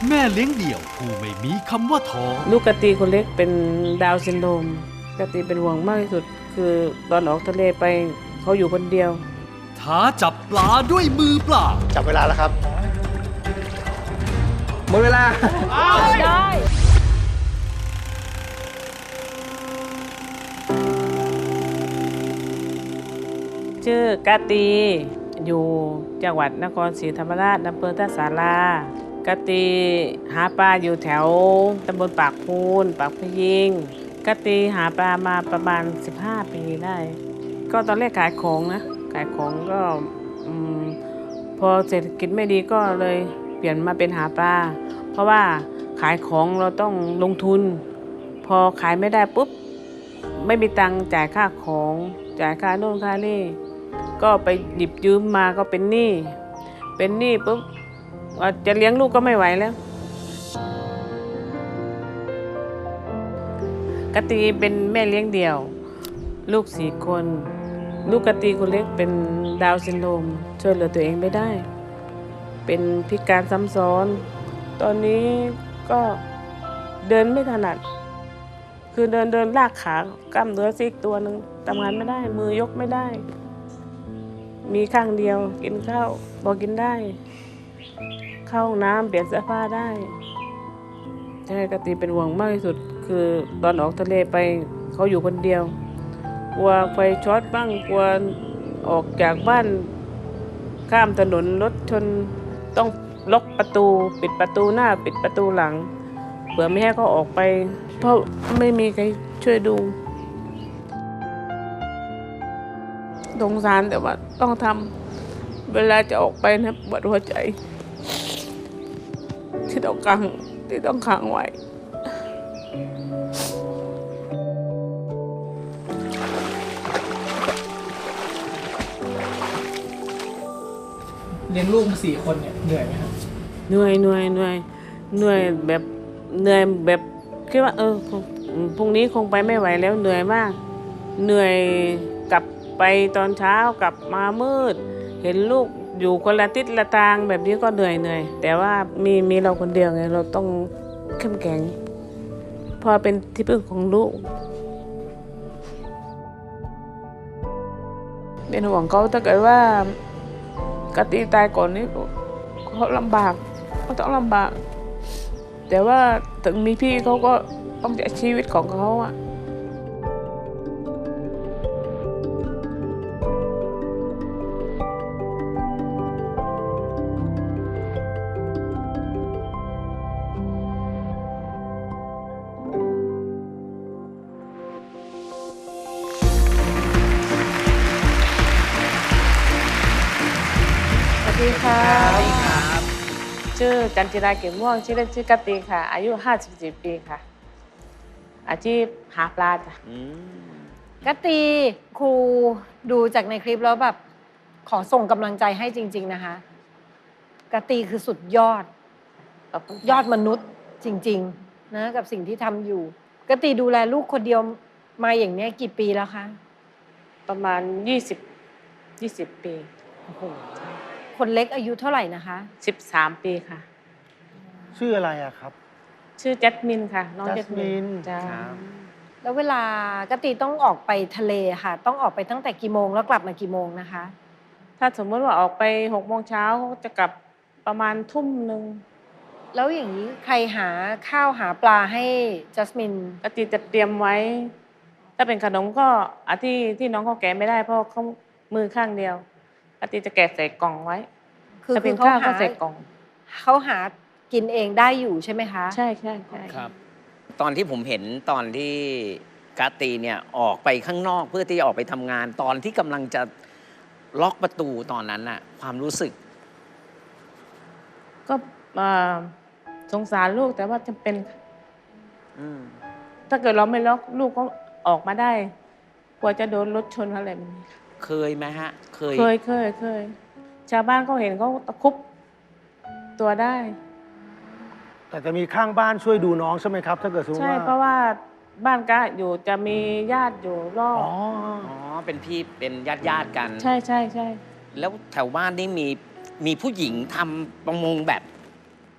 แม่เลี้ยงเดี่ยวผู้ไม่มีคำว่าท้อลูกกะตีคนเล็กเป็นดาวน์ซินโดรมกะตีเป็นห่วงมากที่สุด คือตอนออกทะเลไปเขาอยู่คนเดียวท้าจับปลาด้วยมือเปล่าจับเวลาแล้วครับหมดเวลาได้ชื่อกะตีอยู่จังหวัดนครศรีธรรมราชอำเภอท่าสารากะตีหาปลาอยู่แถวตำบลปากพูนปากพยิงกะตีหาปลามาประมาณ15 ปีได้ก็ตอนแรกขายของนะขายของก็พอเศรษฐกิจไม่ดีก็เลยเปลี่ยนมาเป็นหาปลาเพราะว่าขายของเราต้องลงทุนพอขายไม่ได้ปุ๊บไม่มีตังค์จ่ายค่าของจ่ายค่าโน่นค่านี่ก็ไปหยิบยืมมาก็เป็นหนี้ปุ๊บจะเลี้ยงลูกก็ไม่ไหวแล้วกะตีเป็นแม่เลี้ยงเดี่ยวลูก4 คนลูกกะตีคนเล็กเป็นดาวน์ซินโดรมช่วยเหลือตัวเองไม่ได้เป็นพิการซ้ำซ้อนตอนนี้ก็เดินไม่ถนัดคือเดินลากขากล้ามเนื้อซีกตัวหนึ่งทำงานไม่ได้มือยกไม่ได้มีข้างเดียวกินข้าวพอกินได้เข้าห้องน้ำเปลี่ยนเสื้อผ้าได้ใช่กะตีเป็นห่วงมากที่สุดคือตอนออกทะเลไปเขาอยู่คนเดียวกลัวไฟช็อตบ้างกลัวออกจากบ้านข้ามถนนรถชนต้องล็อกประตูปิดประตูหน้าปิดประตูหลังเผื่อไม่ให้เขาออกไปเพราะไม่มีใครช่วยดูสงสารแต่ว่าต้องทำเวลาจะออกไปนะปวดหัวใจที่ต้องขังไว้เลี้ยงลูกมา4 คนเนี่ยเหนื่อยไหมครับเหนื่อยแบบเหนื่อยแบบคิดว่าพรุ่งนี้คงไปไม่ไหวแล้วเหนื่อยมากเหนื่อยกลับไปตอนเช้ากลับมามืดเห็นลูกอยู่คนละทิศละทางแบบนี้ก็เหนื่อยแต่ว่ามีเราคนเดียวไงเราต้องเข้มแข็งพอเป็นที่พึ่งของลูกเป็นห่วงเขาถ้าเกิดว่ากะตีตายก่อนนี้เขาลำบากเขาต้องลำบากแต่ว่าถึงมีพี่เขาก็ต้องใช้ชีวิตของเขาอะสวัสดีค่ะชื่อจันจิราเก็บม่วงชื่อเล่นชื่อกะตีค่ะอายุ54 ปีค่ะอาชีพหาปลาจ้ะกะตีครูดูจากในคลิปแล้วแบบขอส่งกำลังใจให้จริงๆนะคะกะตีคือสุดยอดมนุษย์จริงๆนะกับสิ่งที่ทำอยู่กะตีดูแลลูกคนเดียวมาอย่างนี้กี่ปีแล้วคะประมาณ20 ปีโอ้โหคนเล็กอายุเท่าไหร่นะคะ 13 ปีค่ะชื่ออะไรอะครับชื่อแจัสมินค่ะน้องแจัสมินจ้าแล้วเวลากะตีต้องออกไปทะเลค่ะต้องออกไปตั้งแต่กี่โมงแล้วกลับมากี่โมงนะคะถ้าสมมติว่าออกไป6 โมงเช้าจะกลับประมาณทุ่มหนึ่งแล้วอย่างนี้ใครหาข้าวหาปลาให้จัสมินกะตีจะเตรียมไว้ถ้าเป็นขนมก็ที่น้องเขาแกะไม่ได้เพราะเขามือข้างเดียวกะตีจะแกะใส่กล่องไว้ถ้าเป็นข้าวก็ใส่กล่องเขาหากินเองได้อยู่ใช่ไหมคะใช่ครับตอนที่ผมเห็นตอนที่กาตีเนี่ยออกไปข้างนอกเพื่อที่จะออกไปทำงานตอนที่กำลังจะล็อกประตูตอนนั้นน่ะความรู้สึกก็สงสารลูกแต่ว่าจำเป็นถ้าเกิดเราไม่ล็อกลูกก็ออกมาได้กลัวจะโดนรถชนอะไรแบบนี้เคยไหมฮะเคยชาวบ้านเขาเห็นเขาตะคุบตัวได้แต่จะมีข้างบ้านช่วยดูน้องใช่ไหมครับถ้าเกิดสมมติว่าใช่เพราะว่าบ้านกะอยู่จะมีญาติอยู่รอบอ๋อเป็นพี่เป็นญาติกันใช่แล้วแถวบ้านนี่มีผู้หญิงทำประมงแบบ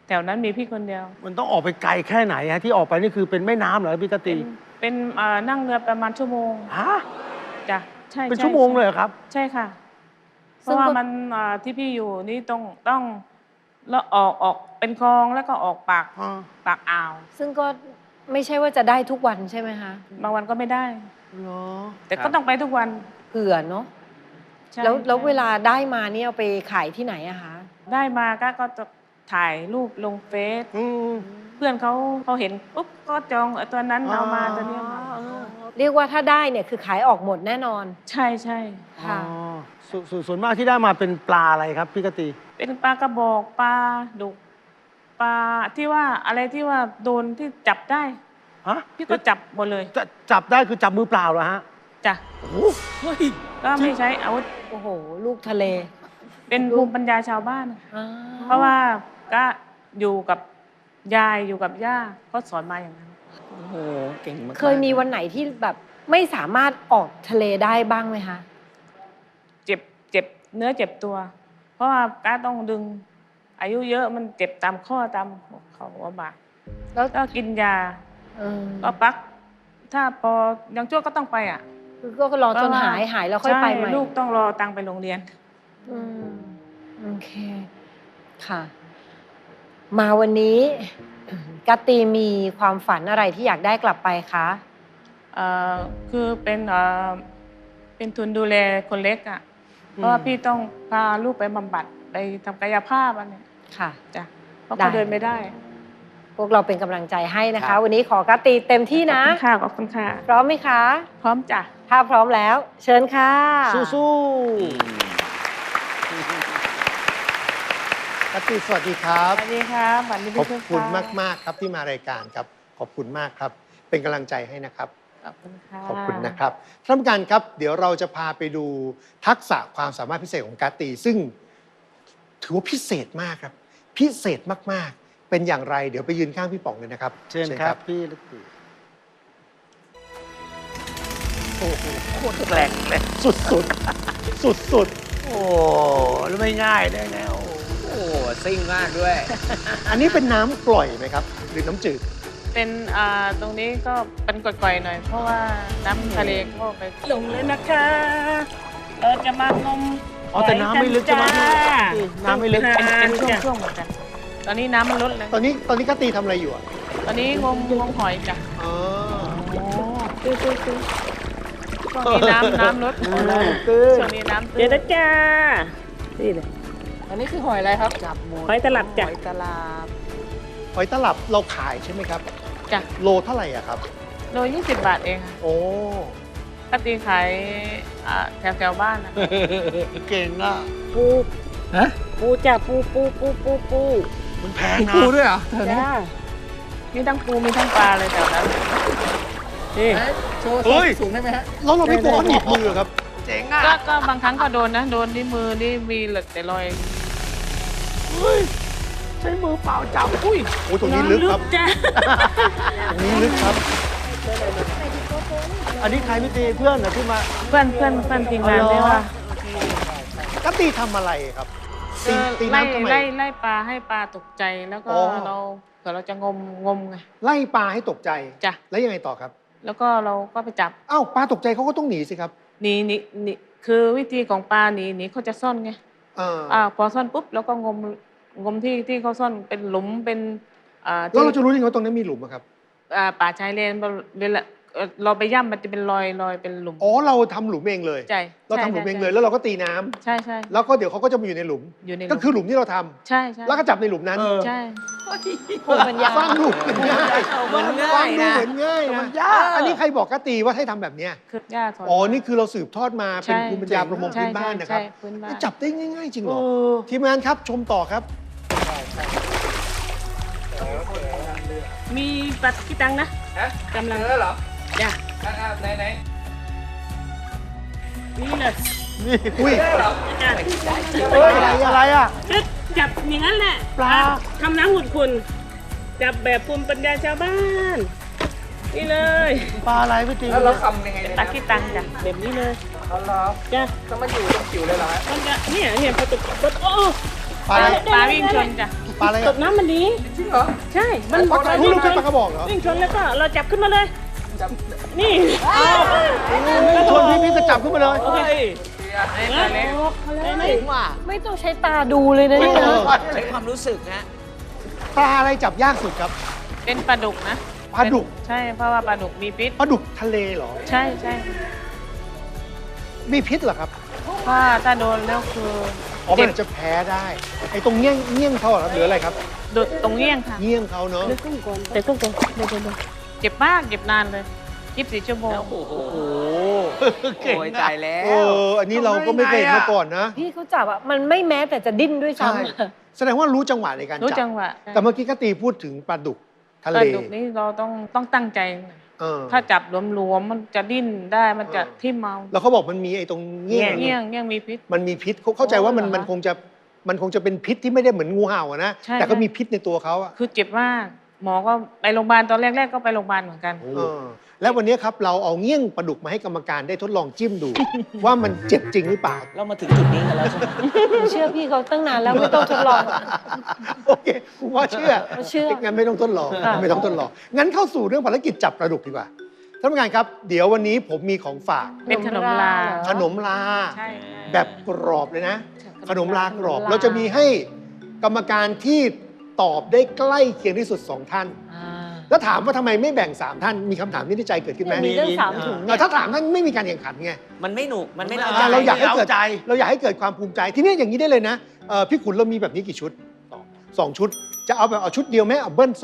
แถวนั้นมีพี่คนเดียวมันต้องออกไปไกลแค่ไหนฮะที่ออกไปนี่คือเป็นแม่น้ำเหรอพี่กติเป็นนั่งเรือประมาณชั่วโมงฮะจ้ะใช่เป็นใช่ชั่วโมงเลยเหรอครับใช่ค่ะ เพซึ่งราะว่าก็มันที่พี่อยู่นี่ต้องแล้วออกเป็นคลองแล้วก็ออกปากอ่าวซึ่งก็ไม่ใช่ว่าจะได้ทุกวันใช่ไหมคะบางวันก็ไม่ได้เหรอแต่ก็ต้องไปทุกวันเผื่อเนาะใช่แล้วใช่เวลาได้มาเนี่ยเอาไปขายที่ไหนอะคะได้มาก็จะถ่ายรูปลงเฟซอืมเพื่อนเขาเห็นปุ๊บก็จองตัวนั้นเอามาตัวนี้เอามาเรียกว่าถ้าได้เนี่ยคือขายออกหมดแน่นอนใช่ใช่ค่ะอ๋อส่วนมากที่ได้มาเป็นปลาอะไรครับพี่กติเป็นปลากระบอกปลาดุกปลาที่ว่าอะไรที่ว่าโดนที่จับได้ฮะพี่ก็จับหมดเลยจะจับได้คือจับมือเปล่าเหรอฮะจ้ะเฮ้ยก็ไม่ใช้อาวุธโอ้โห ลูกทะเลเป็นภูมิปัญญาชาวบ้านอ่าเพราะว่าก็อยู่กับยายอยู่กับย่าก็สอนมาอย่างนั้นโอ้โห เก่งมากๆเคยมีวันไหนที่แบบไม่สามารถออกทะเลได้บ้างไหมคะเจ็บเนื้อเจ็บตัว เพราะว่าก้าต้องดึง อายุเยอะมันเจ็บตามข้อตามเขาหัวบ่าแล้วก็กินยาเออก็ปัก ถ้าพอยังชั่วก็ต้องไปอ่ะคือก็รอจนหายแล้วค่อยไปใหม่ช่ลูกต้องรอตังค์ไปโรงเรียนอืมโอเค ค่ะ มาวันนี้ กตตีมีความฝันอะไรที่อยากได้กลับไปคะคือเป็นทุนดูแลคนเล็กอ่ะ เพราะว่าพี่ต้องพาลูกไปบำบัดไปทำกายภาพอันเนี้ยค่ะจ้ะเพราะเขาได้เดินไม่ได้พวกเราเป็นกำลังใจให้นะครัคะบวันนี้ขอกตตีเต็มที่นะขอบคุณค่ะพร้อมไหมคะพร้อมจ้ะถ้าพร้อมแล้ว เชิญค่ะสู้อืมกติสวัสดีครับสวัสดีครับสวัสดีขอบพี่คุณค่ะมาก ๆ ครับที่มารายการครับ ขอบคุณมากครับ เป็นกำลังใจให้นะครับขอบคุณค่ะขอบคุณนะครับท่านผู้การครับ เดี๋ยวเราจะพาไปดูทักษะความสามารถพิเศษของกาตีซึ่งถือว่าพิเศษมากครับ พิเศษมาก ๆ เป็นอย่างไร เดี๋ยวไปยืนข้างพี่ป๋องเลยนะครับๆเชิญครับพี่กติโอ้โหโคตรแกร่งเลยสุดๆ สุดโอ้แล้วไม่ง่ายได้ไงโอ้โอ้โหซิ่งมากด้วยๆ อันนี้เป็นน้ำกร่อยไหมครับ หรือน้ำจืดเป็นตรงนี้ก็เป็นก่อยๆหน่อย เพราะว่าน้ำทะเลก็ไปลงเลยนะคะ เราจะมางมอ๋อแต่น้ำไม่ลึกใช่ไหมพี่น้ำไม่ลึกเป็นช่วงๆเหมือนกัน ตอนนี้น้ำมันลดแล้วตอนนี้กาตีทำอะไรอยู่อ่ะตอนนี้งมหอยจ้ะอ๋อช่วงนี้น้ำลดช่วงนี้น้ำเดี๋ยวนะจ้า นี่เลยอันนี้คือหอยอะไรครับจับหมดหอยตลับจ้ะหอยตลับหอยตลับเราขายใช่ไหมครับจ้ะโลเท่าไหร่อ่ะครับโล20 บาทเองค่ะโอ้ปกติขายแถวบ้านนะเก่งอ่ะปูฮะปูจ้ะปูมันแพงนะปูด้วยเหรอจ้ามีทั้งปูมีทั้งปลาเลยแถวนั้นนี่โชว์สูงได้ไหมฮะแล้วเราไม่กลัวเขาหนีบมือครับเจ๋งอ่ะก็บางครั้งก็โดนนะ โดนที่มือนี่มีเหลือแต่รอยเฮ้ยใช้มือเปล่าจับอุ้ยโอ้ตรงนี้ลึกครับจ้าตรงนี้ลึกครับอันนี้ใครพี่ตีเพื่อนเหรอที่มาเพื่อนทีมงานอ๋อได้ว่ากตีทำอะไรครับ ตีไล่น้ำทำไมไล่ปลาให้ปลาตกใจแล้วก็อ๋อเราเผื่อเราจะงมไงไล่ปลาให้ตกใจจ้ะแล้วยังไงต่อครับแล้วก็เราก็ไปจับอ้าวปลาตกใจเขาก็ต้องหนีสิครับหนีคือวิธีของปลาหนีเขาจะซ่อนไงเออพอซ่อนปุ๊บแล้วก็งมที่เขาซ่อนเป็นหลุมเป็นแล้วเราจะรู้ได้ไงว่าตรงนั้นมีหลุมอะครับป่าชายเลนเวลาเราไปย่ำมันจะเป็นรอยเป็นหลุมอ๋อเราทำหลุมเองเลยใช่เราทำหลุมเองเลยแล้วเราก็ตีน้ำใช่แล้วก็เดี๋ยวเขาก็จะมาอยู่ในหลุมอยู่ในหลุมก็คือหลุมที่เราทำใช่แล้วก็จับในหลุมนั้นใช่ภูมิปัญญาฟังดูเหมือนง่ายเหมือนง่ายฟังดูนะเหมือนง่ายนะ อันนี้ใครบอกกตีว่าให้ทำแบบเนี้ยคือย่าสอนอ๋อ นี่คือเราสืบทอดมาเป็นใช่ภูมิปัญญาประมงพื้นบ้านนะครับใช่พื้นบ้านจับได้ง่ายๆจริงเหรเอออทีมงานครับชมต่อครับมีปัดกี่ตังค์นะฮะกำลังเจอเหรอจ้ะไหนนี่เลยนี่อุ้ยจ้ะเฮ้ยอะไรอ่ะก็จับอย่างนั้นแหละปลาทำน้ำหุ่นคุณ จับแบบภูมิปัญญาชาวบ้าน นี่เลยปลาอะไรพี่ตีแล้วเราทำยังไงเนี่ยตักที่ตังจ้ะแบบนี้เลยเอาเหรอจ้ะก็มาอยู่ตรงจิ๋วเลยเหรอฮะมันจะเนี่ยพอตกปุ๊บโอ้ปลาอะไรปลาวิ่งชนจ้ะปลาอะไรตบน้ำมันดีจริงเหรอใช่มันปลาที่ลูกเป็นปลากระบอกเหรอวิ่งชนแล้วก็เราจับขึ้นมาเลยนี่ชวนพี่ก็จับขึ้นมาเลยโอเคตัวเล็กถึงว่าไม่ต้องใช้ตาดูเลยนะเนี่ยนะใช้ความรู้สึกนะปลาอะไรจับยากสุดครับเป็นปลาดุกนะปลาดุกใช่เพราะว่าปลาดุกมีพิษปลาดุกทะเลเหรอใช่ใช่มีพิษเหรอครับถ้าโดนแล้วคืออ๋อมันอาจจะแพ้ได้ ไอ้ตรงเงี้ยงเขาเหรอครับหรืออะไรครับโดนตรงเงี้ยงค่ะเงี้ยงเขาเนาะเดี๋ยวกุ้งก่อนเดี๋ยวเจ็บมากเจ็บนานเลย24 ชั่วโมงโอ้โหโอ้โอ้ยตายแล้เอวออันนี้เราก็ไม่เคยเห็นมาก่อนนะพี่เขาจับอ่ะมันไม่แม้แต่จะดิ้นด้วยใช่ซ้ำอะแสดงว่ารู้จังหวะในการรู้จัจังหวะแต่เมื่อกี้ก็ตีพูดถึงปลาดุกทะปเลลาดุกนี่เราต้องตั้งใจ ถ้าจับหลวมๆมันจะดิ้นได้มันจะทิ่มเมาแล้วเขาบอกมันมีไอ้ตรงเงี้ยงเงี้ยงมีพิษมันมีพิษเข้าใจว่ามันคงจะเป็นพิษที่ไม่ได้เหมือนงูเห่าอะนะใช่แต่ก็มีพิษในตัวเขาอะคือเจ็บมาก หมอก็ไปโรงพยาบาลตอนแรกๆก็ไปโรงพยาบาลเหมือนกันเออแล้ววันนี้ครับเราเอาเงี้ยงปลาดุกมาให้กรรมการได้ทดลองจิ้มดู ว่ามันเจ็บจริงหรือเปล่าเรามาถึงจุดนี้กันแล้วใช่ไหมหนูเชื่อพี่เขาตั้งนานแล้วไม่ต้องทดลองโอเคคุณพ่อเชื่อเชื่องั้นไม่ต้องทดลองค่ะไม่ต้องทดลองงั้นเข้าสู่เรื่องภารกิจจับปลาดุกดีกว่าท่านผู้การครับ เดี๋ยววันนี้ผมมีของฝากเป็นขนมลาเหรอขนมลาใช่แบบกรอบเลยนะ ขนมลากรอบ เราจะมีให้กรรมการที่ตอบได้ใกล้เคียงที่สุด 2 ท่านอ่าแล้วถามว่าทำไมไม่แบ่ง 3 ท่าน มีคำถามนี้ในใจเกิดขึ้นไหมมีเรื่องสามถุงเนี่ยถ้าถามท่านไม่มีการแข่งขันไงมันไม่หนุก มันไม่เราอยากให้เอาเกิดใจเราอยากให้เกิดความภูมิใจ ที่นี่อย่างนี้ได้เลยนะพี่ขุนเรามีแบบนี้กี่ชุด 2 ชุด จะเอาแบบเอาชุดเดียวไหมเอาเบิ้ล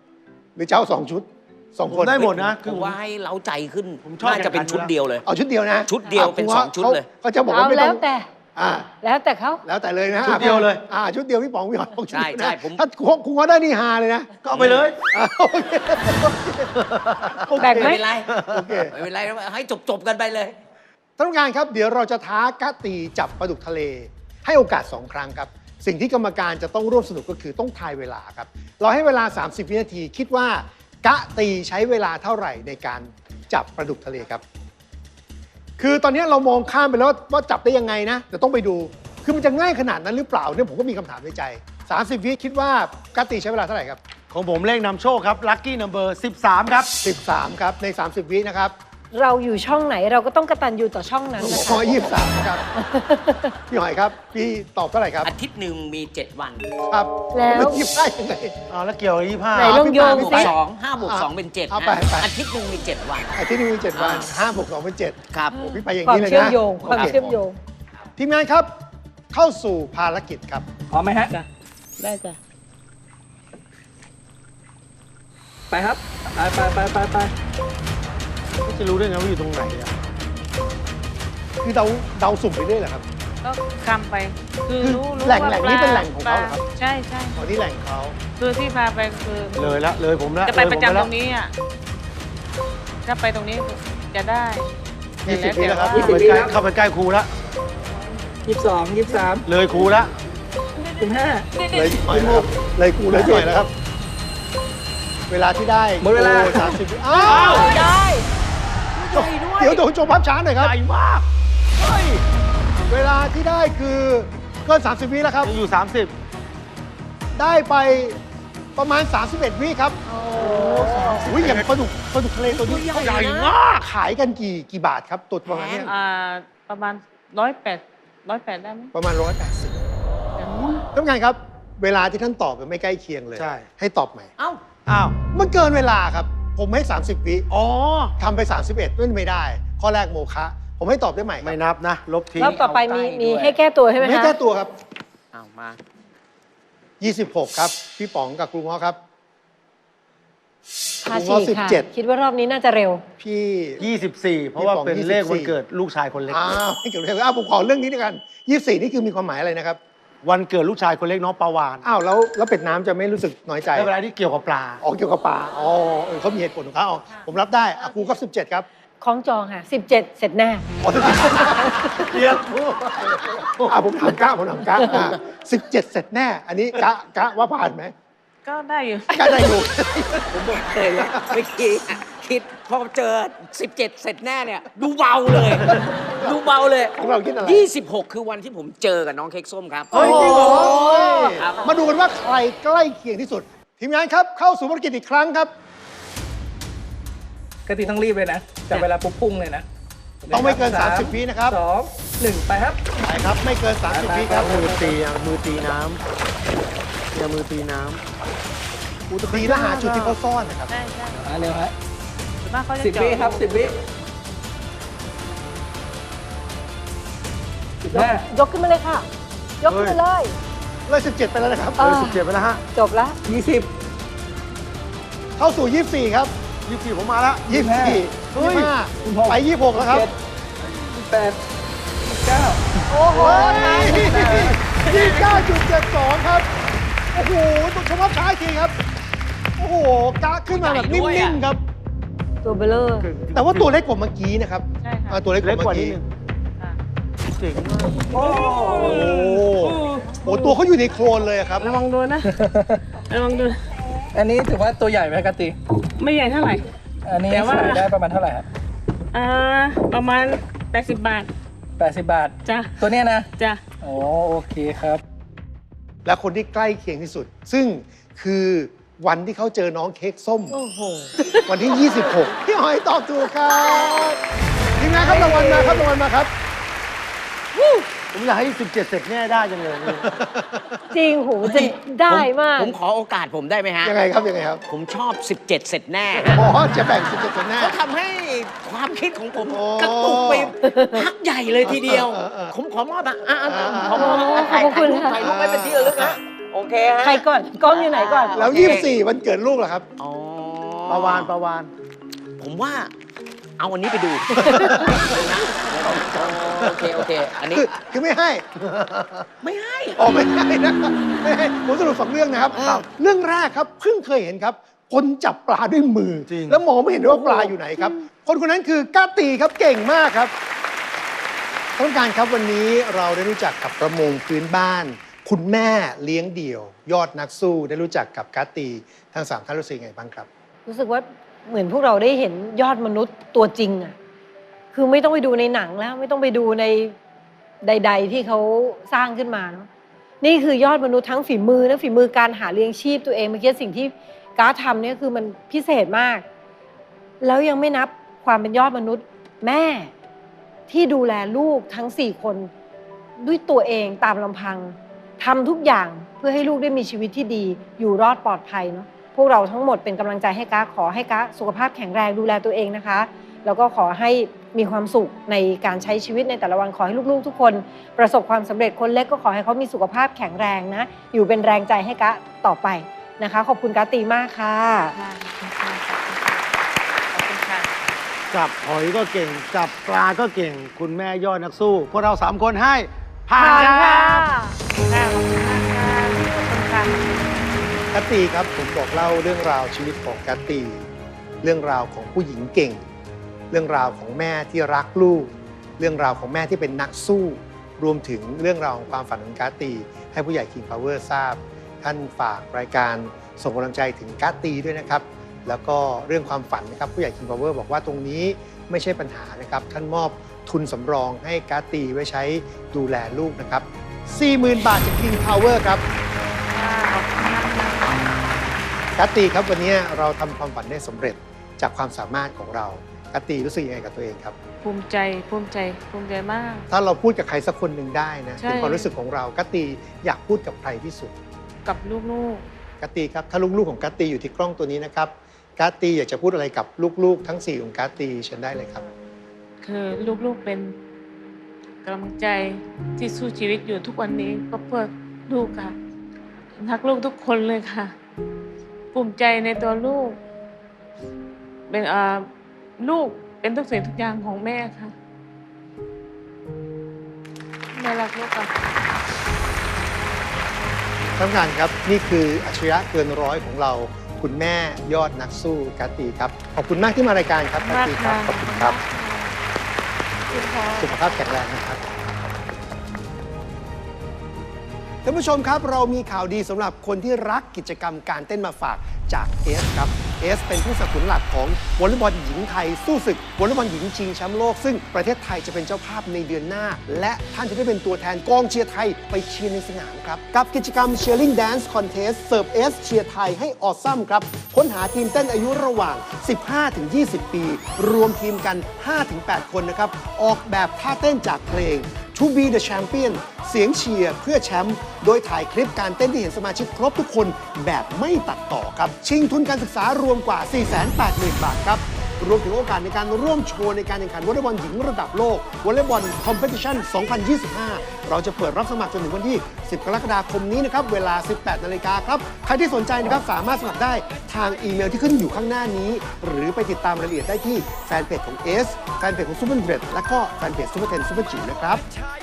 2หรือจะเอา2 ชุด 2 คนได้หมดนะผมว่าให้เล้าใจขึ้นผมชอบน่าจะเป็นชุดเดียวเลยเอาชุดเดียวนะชุดเดียวเป็น2ชุดเลยเขาจะบอกเอาว่าไม่ต้แล้อวงแต่อ่าแล้วแต่เขาแล้วแต่เลยนะชุดเดียวเลยชุดเดียวพี่ป๋องพี่หอยบอกชุดใช่เดียวนะใช่ผมถ้าคุณง้อได้นี่ฮาเลยนะก็เอาไปเลยโอเคโอเคแบ่งไหมไม่เป็นไรโอเคไม่เป็นไรให้จบกันไปเลยท่านผู้การครับเดี๋ยวเราจะท้ากะตีจับปลาดุกทะเล ให้โอกาส 2 ครั้งครับ สิ่งที่กรรมการจะต้องร่วมสนุกก็คือต้องทายเวลาครับ เราให้เวลา 30 วินาที คิดว่ากะตีใช้เวลาเท่าไหร่ในการจับปลาดุกทะเลครับ คือตอนนี้เรามองข้ามไปแล้วว่าจับได้ยังไงนะแต่ต้องไปดู คือมันจะง่ายขนาดนั้นหรือเปล่าเนี่ยผมก็มีคำถามในใจ 30 วิคิดว่ากะตีใช้เวลาเท่าไหร่ครับของผมเลขนำโชคครับ ลัคกี้นัมเบอร์ 13 ครับ 13 ครับใน 30 วินะครับเราอยู่ช่องไหนเราก็ต้องกตัญญูต่อช่องนั้นนะขอคะ 23 ครับ พี่หอยครับ พี่ตอบเท่าไหร่ครับอาทิตย์หนึ่งมี 7 วันครับแล้วไม่คิดได้ยังไงอ๋อแล้วเกี่ยวกับ25 ไหนลองโยงบวกสิ 2 5บวก2เป็น7 เอาไปไปอาทิตย์หนึ่งมี 7 วันอาทิตย์นี้มี 7 วัน5บวก2เป็น7 ครับพี่ไปอย่างความนี้เลยนะเชื่อมโยงความโอเคเชื่อมโยงทีมงานครับ เข้าสู่ภารกิจครับพร้อมไหมฮะจ้ะได้จ้ะไปครับ ไปจะรู้ได้ไงว่าอยู่ตรงไหนอะคือเดาสุ่มไปเรื่อยเหรอครับก็คำไป คือคือรู้แหล่งว่าแหล่งนี้เป็นแหล่งของเขาเหรอครับใช่ใช่อ๋อนี่แหล่งเขาคือที่พาไปคือเลยละเลยผมละจะไปประจำเลยผมตรงนี้อ่ะถ้าไปตรงนี้จะได้ 20 วิแล้วครับเข้าไปใกล้เข้าไปใกล้ครูละ 22 23 เลยครูละ 25 เลยหน่อยนะครับเลยกูเลยหน่อยแล้วครับ เวลาที่ได้หมดเวลาโอ้30 วิอ้าวได้เดี๋ยวโดนโจมภาพช้าหน่อยครับใหญ่มาก เฮ้ยเวลาที่ได้คือเกิน30 วิแล้วครับยังอยู่ได้ไปประมาณ 31 วิครับอุ้ยอย่างปลาดุกทะเลตัวนี้ตัวใหญ่ใหญ่นะมากขายกันกี่บาทครับตัวประมาณเนี้ยประมาณ108ได้ไหมประมาณ 180ท่านผู้การครับ เวลาที่ท่านตอบมันไม่ใกล้เคียงเลยใช่ให้ตอบใหม่เอ้า 30 อ้าวมันเกินเวลาครับ ผมให้ 30 วิอ๋อทำไป 31ไม่ได้ ข้อแรกโมฆะผมให้ตอบได้ใหม่คไม่รับนับนะ ลบทิ้งรอบต่อไปมีเอาใกล้มีด้วยให้แก้ตัวใช่ไหมไม่คะแก้ตัวครับเอามา 26 ครับ พี่ป๋องกับครูง้อครับพาฉีกค่ะ 17 คิดว่ารอบนี้น่าจะเร็วพี่ 24 เพราะว่าเป็นเลขวันเกิดลูกชายคนเล็กอ้าวไม่เกี่ยวเลยผมขอเรื่องนี้ด้วยกัน 24 นี่คือมีความหมายอะไรนะครับวันเกิดลูกชายคนเล็กน้องปาวานอ้าวแล้วเป็ดน้ำจะไม่รู้สึกน้อยใจในเวลาที่เกี่ยวกับปลาอ๋อเกี่ยวกับปลาอ๋อเขามีเหตุผลของเขาอ๋อผมรับได้อ่ะครูครับ17 ครับคล้องจองค่ะ 17 เสร็จแน่อ๋อเรียกผมถามกะ17 เสร็จแน่ อันนี้กะว่าผ่านไหมก็ได้อยู่กะได้อยู่ผมบอกเลยเมื่อกี้คิดพอเจอ 17 เสร็จแน่เนี่ย ดูเบาเลยดูเบาเลยเราคิดอะไร 26 คือวันที่ผมเจอกับน้องเค้กส้มครับเฮ้ยจริงเหรอครับมาดูกันว่าใครใกล้เคียงที่สุด ทีมงานครับเข้าสู่ภารกิจอีกครั้งครับกติต้องรีบเลยนะจับเวลาปุ๊บพุ่งเลยนะต้องไม่เกิน30วินะครับ 2 1 ไปครับไปครับไม่เกิน30วิครับมือตีอ่ะมือตีน้ำอย่ามือตีน้ำตีแล้วหาจุดที่เขาซ่อนนะครับใช่ใช่มาเร็วฮะส่วนมากเขาจะ 10 วิครับ 10 วิ15 ยกขึ้นมาเลยค่ะ ยกขึ้นมาเลยเลย17 ไปแล้วนะครับ 17ไปแล้วฮะจบแล้ว 20 เข้าสู่ 24 ครับ 24ผมมาแล้ว 24 25ไป 26 แล้วครับ 8 9 โอ้โห 29.72 ครับ โอ้โหต้องชมว่าช้าอีกทีครับ โอ้โหกะขึ้นมาแบบนิ่มๆครับตัวเบลเลอร์แต่ว่าตัวเล็กกว่าเมื่อกี้นะครับใช่ค่ะตัวเล็กกเล็กว่ากว่าเมื่อนิดกี้นึงค่ะเจ๋งมากโอ้โหตัวเขาอยู่ในโคลนเลยครับระวังโดนนะ ระวังโดนอันนี้ถือว่าตัวใหญ่ไหมกติไม่ใหญ่เท่าไหร่อันนี้แต่ว่าขายได้ประมาณเท่าไหร่ครับประมาณ80 บาท 80 บาทจ้ะตัวเนี้ยนะจ้ะโอเคครับและคนที่ใกล้เคียงที่สุด ซึ่งคือวันที่เขาเจอน้องเค้กส้มโอ้โหวันที่ 26 พี่หอยตอบถูกครับทีมงานครับรางวัลมาครับรางวัลมาครับผมอยากให้ 17 เสร็จแน่ได้จังเลยนี่จริงโหจะได้มากผมขอโอกาสผมได้ไหมฮะยังไงครับยังไงครับผมชอบ 17 เสร็จแน่อ๋อจะแบ่ง17คนแน่เขาทำให้ความคิดของผมโอ้กระตุกไปพักใหญ่เลยทีเดียว ผมขอมอบขอมอบถ่ายขอบคุณค่ะถ่ายรูปไว้เป็นที่ระลึกนะโอเคฮะใครก่อน กล้องอยู่ไหนก่อนแล้ว 24 วันเกิดลูกเหรอครับอ๋อประวานผมว่าเอาอันนี้ไปดูนะโอเค อันนี้คือไม่ให้ไม่ให้อ๋อไม่ให้นะไม่ให้ผมสรุปสองเรื่องนะครับ เรื่องแรกครับเพิ่งเคยเห็นครับ คนจับปลาด้วยมือจริงแล้วมองไม่เห็นด้วยว่าปลาอยู่ไหนครับ คนคนนั้นคือกาตีครับเก่งมากครับท่านผู้การครับวันนี้เราได้รู้จักกับประมงพื้นบ้าน คุณแม่เลี้ยงเดี่ยว ยอดนักสู้ได้รู้จักกับกาตีทั้งสามท่านรู้สึกยังไงบ้างครับรู้สึกว่าเหมือนพวกเราได้เห็นยอดมนุษย์ตัวจริงอ่ะ คือไม่ต้องไปดูในหนังแล้ว ไม่ต้องไปดูในใด ๆ ที่เขาสร้างขึ้นมาเนาะนี่คือยอดมนุษย์ทั้งฝีมือและฝีมือการหาเลี้ยงชีพตัวเองเมื่อกี้สิ่งที่การ์ดทำเนี่ยคือมันพิเศษมาก แล้วยังไม่นับความเป็นยอดมนุษย์แม่ที่ดูแลลูกทั้ง4 คนด้วยตัวเองตามลำพังทำทุกอย่างเพื่อให้ลูกได้มีชีวิตที่ดี อยู่รอดปลอดภัยเนาะพวกเราทั้งหมดเป็นกำลังใจให้ก้าขอให้ก้าสุขภาพแข็งแรงดูแลตัวเองนะคะ แล้วก็ขอให้มีความสุขในการใช้ชีวิตในแต่ละวันขอให้ลูกๆทุกคนประสบความสำเร็จคนเล็กก็ขอให้เขามีสุขภาพแข็งแรงนะอยู่เป็นแรงใจให้ก้าต่อไปนะคะขอบคุณก้าตีมากค่ะขอบคุณค่ะจับหอยก็เก่ง จับปลาก็เก่ง คุณแม่ยอดนักสู้ พวกเรา 3 คนให้ผ่านครับค่ะขอบคุณมากค่ะขอบคุณค่ะกาตีครับผมบอกเล่าเรื่องราวชีวิตของกาตีเรื่องราวของผู้หญิงเก่ง เรื่องราวของแม่ที่รักลูก เรื่องราวของแม่ที่เป็นนักสู้ รวมถึงเรื่องราวของความฝันของกาตีให้ผู้ใหญ่ King Power ทราบ ท่านฝากรายการส่งกำลังใจถึงกาตีด้วยนะครับ แล้วก็เรื่องความฝันนะครับผู้ใหญ่ King Power บอกว่าตรงนี้ไม่ใช่ปัญหานะครับท่านมอบทุนสำรองให้กาตีไว้ใช้ดูแลลูกนะครับ 40,000 บาทจาก King Power ครับ กาตีครับวันนี้เราทำความฝันได้สำเร็จจากความสามารถของเรากาตีรู้สึกยังไงกับตัวเองครับภูมิใจภูมิใจมากถ้าเราพูดกับใครสักคนหนึ่งได้นะใช่ถึงความรู้สึกของเรากาตีอยากพูดกับใครที่สุดกับลูกกาตีครับถ้าลูกๆของกาตีอยู่ที่กล้องตัวนี้นะครับกาตีอยากจะพูดอะไรกับลูกๆ ทั้ง4ของกาตีเชิญได้เลยครับๆ คือลูกๆเป็นกำลังใจที่สู้ชีวิตอยู่ทุกวันนี้ก็เพื่อลูกค่ะรักลูกทุกคนเลยค่ะ ภูมิใจในตัวลูก เป็นลูกเป็นทุกสิ่งทุกอย่างของแม่ค่ะแม่รักลูกค่ะท่านผู้การครับนี่คืออัจฉริยะเกินร้อยของเราคุณแม่ยอดนักสู้กาตีครับขอบคุณมากที่มารายการครับกาตีครับขอบคุณครับ สุขภาพแข็งแรงนะครับท่านผู้ชมครับเรามีข่าวดีสำหรับคนที่รักกิจกรรมการเต้นมาฝากจากเอสครับเอสเป็นผู้สนับสนุนหลักของวอลเลย์บอลหญิงไทยสู้ศึกวอลเลย์บอลหญิงชิงแชมป์โลกซึ่งประเทศไทยจะเป็นเจ้าภาพในเดือนหน้า และท่านจะได้เป็นตัวแทนกองเชียร์ไทยไปเชียร์ในสนามครับกับกิจกรรม Cheering Dance Contest เสิร์ฟเอสเชียร์ไทยให้ออซัมครับค้นหาทีมเต้นอายุระหว่าง 15-20 ปี รวมทีมกัน 5-8 คนนะครับออกแบบท่าเต้นจากเพลงTo be the champion เสียงเชียร์เพื่อแชมป์โดยถ่ายคลิปการเต้นที่เห็นสมาชิกครบทุกคนแบบไม่ตัดต่อครับชิงทุนการศึกษารวมกว่า 480,000 บาทครับรวมถึงโอกาสในการร่วมโชว์ในการแข่งขันวอลเลย์บอลหญิงระดับโลกวอลเลย์บอลคอมเพติชัน 2025 เราจะเปิดรับสมัครจนถึงวันที่ 10 กรกฎาคมนี้นะครับเวลา 18 นาฬิกาครับใครที่สนใจนะครับสามารถสมัครได้ทางอีเมลที่ขึ้นอยู่ข้างหน้านี้หรือไปติดตามรายละเอียดได้ที่แฟนเพจของเอสแฟนเพจของซูเปอร์เดรดและก็แฟนเพจซูเปอร์เทนซูเปอร์จิ๋วนะครับ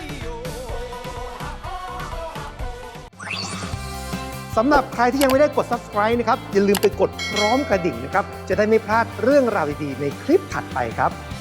สำหรับใครที่ยังไม่ได้กด subscribe นะครับอย่าลืมไปกดพร้อมกระดิ่งนะครับจะได้ไม่พลาดเรื่องราวดีๆในคลิปถัดไปครับ